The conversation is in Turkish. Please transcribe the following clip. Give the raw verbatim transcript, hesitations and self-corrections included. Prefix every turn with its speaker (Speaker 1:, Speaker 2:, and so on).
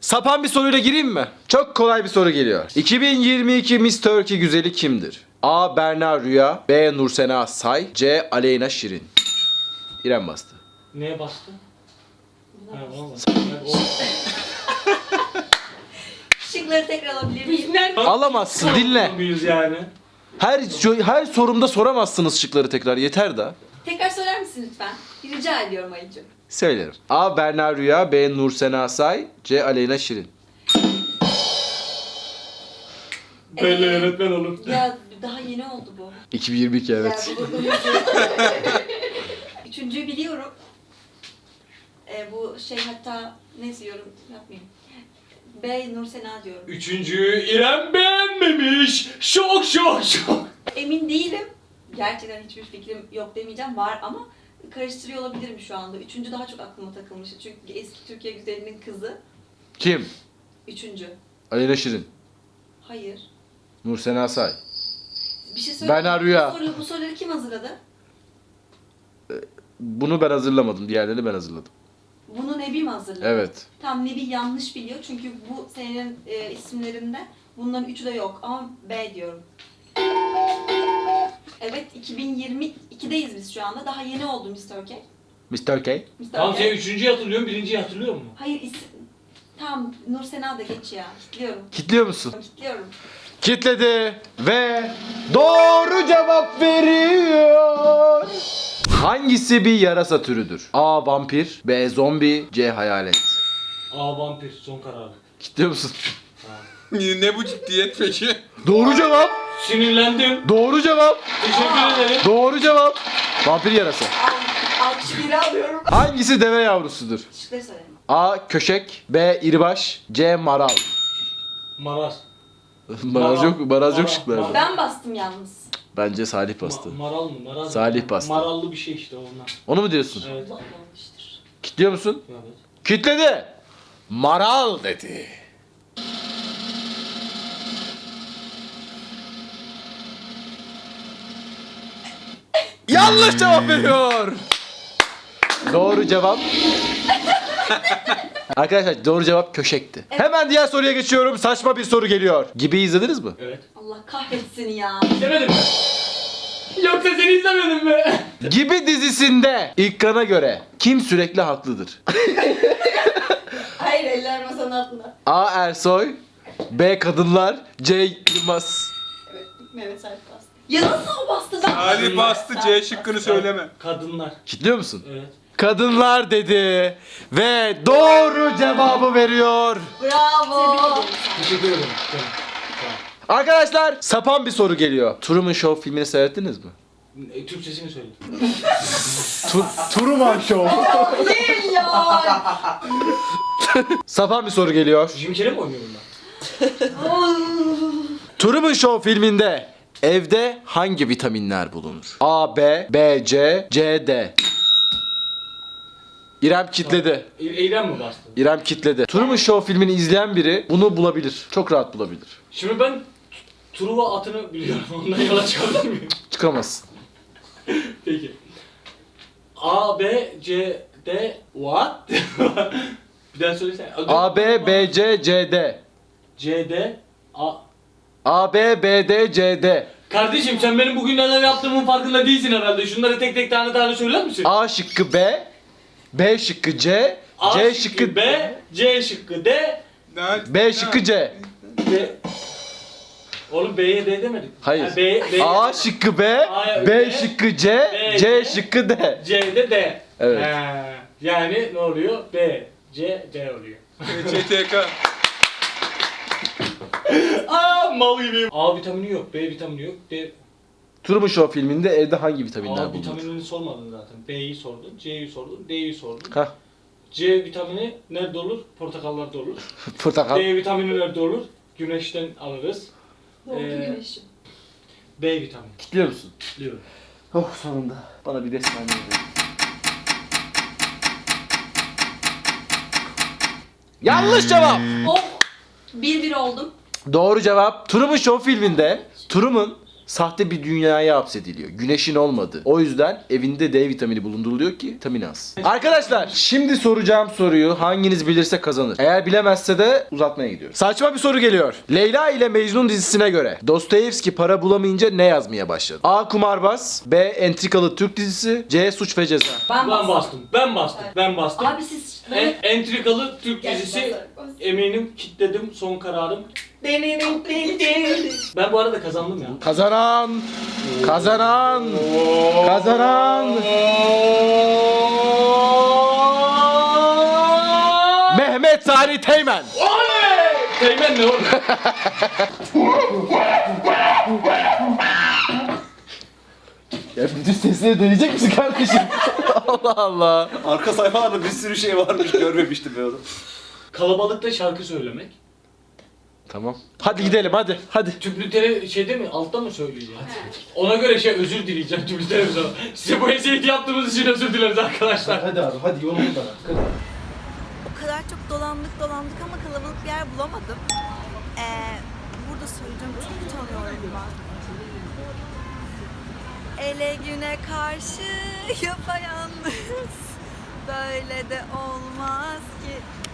Speaker 1: Sapan bir soruyla gireyim mi? Çok kolay bir soru geliyor. iki bin yirmi iki Miss Turkey güzeli kimdir? A. Berna Rüya, B. Nursena Say, C. Aleyna Şirin. İrem bastı.
Speaker 2: Neye bastı?
Speaker 3: Buna
Speaker 2: Ha,
Speaker 3: bastım.
Speaker 2: ona bastı. Yani o-
Speaker 3: Şıkları tekrar alabilir miyim?
Speaker 1: Alamazsın, dinle.
Speaker 2: Muyuz yani?
Speaker 1: Her her sorumda soramazsınız şıkları tekrar, yeter da.
Speaker 3: Tekrar söyler misin lütfen? Rica ediyorum Ayıcığım.
Speaker 1: Söylerim. A. Berna Rüya, B. Nursena Say, C. Aleyna Şirin.
Speaker 2: Böyle
Speaker 3: Ee,
Speaker 2: öğretmen olur.
Speaker 3: Ya daha yeni oldu bu.
Speaker 1: iki bin yirmi iki evet.
Speaker 3: Ya, bu- bu- Üçüncüyü biliyorum. Ee, bu şey hatta neyse yorum yapmayayım. B. Nursena diyorum.
Speaker 2: Üçüncüyü İrem beğenmemiş. Şok şok şok.
Speaker 3: Emin değilim. Gerçekten hiçbir fikrim yok demeyeceğim. Var ama karıştırıyor olabilirim şu anda. Üçüncü daha çok aklıma takılmıştı. Çünkü eski Türkiye güzelinin kızı.
Speaker 1: Kim?
Speaker 3: Üçüncü.
Speaker 1: Aleyna Şirin.
Speaker 3: Hayır.
Speaker 1: Nursena Say.
Speaker 3: Bir şey söyle.
Speaker 1: Berna Rüya.
Speaker 3: Bu, soruyu, bu soruları kim hazırladı?
Speaker 1: Bunu ben hazırlamadım. Diğerlerini ben hazırladım.
Speaker 3: Bunu Nebi mi hazırladı?
Speaker 1: Evet.
Speaker 3: Tam Nebi yanlış biliyor çünkü bu senin e, isimlerinde bunların üçü de yok ama B diyorum. Evet, iki bin yirmi iki'deyiz biz şu anda. Daha yeni oldu Miss Turkey.
Speaker 1: Miss Turkey.
Speaker 3: Miss
Speaker 2: Tamam sen
Speaker 3: Turkey.
Speaker 2: üçüncüyü hatırlıyorsun, birinciyi hatırlıyor musun?
Speaker 3: Hayır, isim... Tamam, Nursena da geç ya. Kitliyorum.
Speaker 1: Kitliyor musun?
Speaker 3: Kitliyorum.
Speaker 1: Kitledi ve doğru cevap veriyor. Hangisi bir yarasa türüdür? A. Vampir, B. Zombi, C. Hayalet.
Speaker 2: Aa vampir, son kararı.
Speaker 1: Kitliyor musun?
Speaker 4: Ne bu ciddiyet peki?
Speaker 1: Doğru cevap.
Speaker 2: Sinirlendim.
Speaker 1: Doğru cevap.
Speaker 2: Teşekkür ederim.
Speaker 1: Doğru cevap. Vampir yarasa.
Speaker 3: Al, alkış biri alıyorum.
Speaker 1: Hangisi deve yavrusudur?
Speaker 3: Şıkları söyle.
Speaker 1: A. Köşek, B. İribaş, C. Maral.
Speaker 2: Maraz.
Speaker 1: Maraz yok, maraz yok
Speaker 2: Maral.
Speaker 1: şıklarda.
Speaker 3: Ben bastım yalnız.
Speaker 1: Bence Salih bastı.
Speaker 2: Ma- maral mı? Maraz
Speaker 1: Salih
Speaker 2: mı?
Speaker 1: bastı.
Speaker 2: Marallı bir şey işte onlar.
Speaker 1: Onu mu diyorsun?
Speaker 2: Evet.
Speaker 3: Bu olmamıştır.
Speaker 1: Kitliyor musun?
Speaker 2: Evet.
Speaker 1: Kitledi. Maral dedi. Yanlış cevap veriyor. Doğru cevap. Arkadaşlar doğru cevap köşekti. Hemen diğer soruya geçiyorum. Saçma bir soru geliyor. Gibi izlediniz mi?
Speaker 2: Evet.
Speaker 3: Allah kahretsin ya.
Speaker 2: İzlemedin mi? Yoksa seni izlemedin mi?
Speaker 1: Gibi dizisinde İlkan'a göre kim sürekli haklıdır?
Speaker 3: Hayır, eller masanın altında.
Speaker 1: A. Ersoy, B. Kadınlar, C. Yılmaz.
Speaker 3: Evet, Mehmet Salih bastı. Ya nasıl o bastı? Ben
Speaker 4: Ali bastı, C şıkkını söyleme.
Speaker 2: Kadınlar.
Speaker 1: Kitliyor musun?
Speaker 2: Evet.
Speaker 1: Kadınlar dedi ve doğru cevabı veriyor.
Speaker 3: Bravo. Tebrik ederim.
Speaker 2: Teşekkür ederim. Canım.
Speaker 1: Arkadaşlar sapan bir soru geliyor. Truman Show filmini seyrettiniz mi?
Speaker 2: E, Türkçesini söyle.
Speaker 1: Tu Truman Show.
Speaker 3: Hayır ya.
Speaker 1: Sapan bir soru geliyor.
Speaker 2: Jim Carrey mi oynuyor bunlar?
Speaker 1: Truman Show filminde evde hangi vitaminler bulunur? A, B, B, C, C, D. İrem kitledi.
Speaker 2: E- Eylem mi bastı?
Speaker 1: İrem kitledi. Truman Show filmini izleyen biri bunu bulabilir. Çok rahat bulabilir.
Speaker 2: Şimdi ben Truva atını biliyorum. Ondan yola çıkabilir miyim?
Speaker 1: Çıkamazsın.
Speaker 2: Peki. A, B, C, D, what? Bir daha söylesene.
Speaker 1: A, B, B, C, C, D.
Speaker 2: C, D, A.
Speaker 1: A, B, B, D, C, D.
Speaker 2: Kardeşim sen benim bugün neler yaptığımın farkında değilsin herhalde. Şunları tek tek tane tane söyler misin?
Speaker 1: A şıkkı B, B şıkkı C,
Speaker 2: A
Speaker 1: C
Speaker 2: şıkkı
Speaker 1: şıkkı
Speaker 2: B, C şıkkı D,
Speaker 1: B şıkkı C.
Speaker 2: D. Oğlum B'ye D demedik.
Speaker 1: Hayır.
Speaker 2: Ha, B, B,
Speaker 1: A şıkkı B,
Speaker 2: A,
Speaker 1: B
Speaker 2: B,
Speaker 1: şıkkı C,
Speaker 2: B,
Speaker 1: C
Speaker 2: C.
Speaker 1: şıkkı D.
Speaker 2: C'de D.
Speaker 1: Evet.
Speaker 2: Ha, yani ne oluyor? B, C, D oluyor.
Speaker 4: C T K.
Speaker 2: Aa mal gibi. A vitamini yok, B vitamini yok, D.
Speaker 1: Truman Show filminde evde hangi vitaminler
Speaker 2: A
Speaker 1: bulunur?
Speaker 2: vitaminini sormadın zaten. B'yi sordun, C'yi sordun, D'yi sordun.
Speaker 1: Hah,
Speaker 2: C vitamini nerede olur? Portakallarda olur.
Speaker 1: portakal.
Speaker 2: D vitamini nerede olur? Güneşten alırız.
Speaker 3: Doğdu
Speaker 2: Ee,
Speaker 3: güneşim.
Speaker 2: B vitamini.
Speaker 1: Kitliyor musun?
Speaker 2: Diyorum.
Speaker 1: Oh sonunda. Bana bir resmen verin. Yanlış cevap.
Speaker 3: Oh. Bir bir oldum.
Speaker 1: Doğru cevap. Truman Show filminde Truman sahte bir dünyaya hapsediliyor. Güneşin olmadığı. O yüzden evinde D vitamini bulunduruluyor ki vitamin az. Arkadaşlar şimdi soracağım soruyu hanginiz bilirse kazanır. Eğer bilemezse de uzatmaya gidiyoruz. Saçma bir soru geliyor. Leyla ile Mecnun dizisine göre Dostoyevski para bulamayınca ne yazmaya başladı? A. Kumarbaz, B. Entrikalı Türk dizisi, C. Suç ve Ceza.
Speaker 3: Ben,
Speaker 2: Ben bastım. Ben bastım. Ben bastım.
Speaker 3: Abi siz
Speaker 2: En, entrikalı Türk
Speaker 3: Gel,
Speaker 2: dizisi
Speaker 3: bas, bas.
Speaker 2: eminim kitledim son kararım. Ben bu arada kazandım ya.
Speaker 1: Kazanan, kazanan, kazanan Mehmet Salih Teğmen.
Speaker 2: Oley! Teğmen ne oğlum?
Speaker 1: Ya bütün sesleri deneyecek misin kardeşim? Allah Allah.
Speaker 5: Arka sayfalarda bir sürü şey varmış görmemiştim ben onu.
Speaker 2: Kalabalıkta şarkı söylemek.
Speaker 1: Tamam. Hadi gidelim hadi. Hadi.
Speaker 2: Tüplütere şeyde mi? Altta mı söyleyeceğim? Ona göre şey özür dileyeceğim tüplü televizyona. Size bu eziyeti yaptığımız için özür dileriz arkadaşlar.
Speaker 1: Hadi abi hadi yolumuzdan.
Speaker 6: O kadar çok dolandık dolandık ama kalabalık bir yer bulamadım. Ee, burada söyleyeceğim, çok utanıyorum ben. Ele güne karşı yapayalnız, böyle de olmaz ki.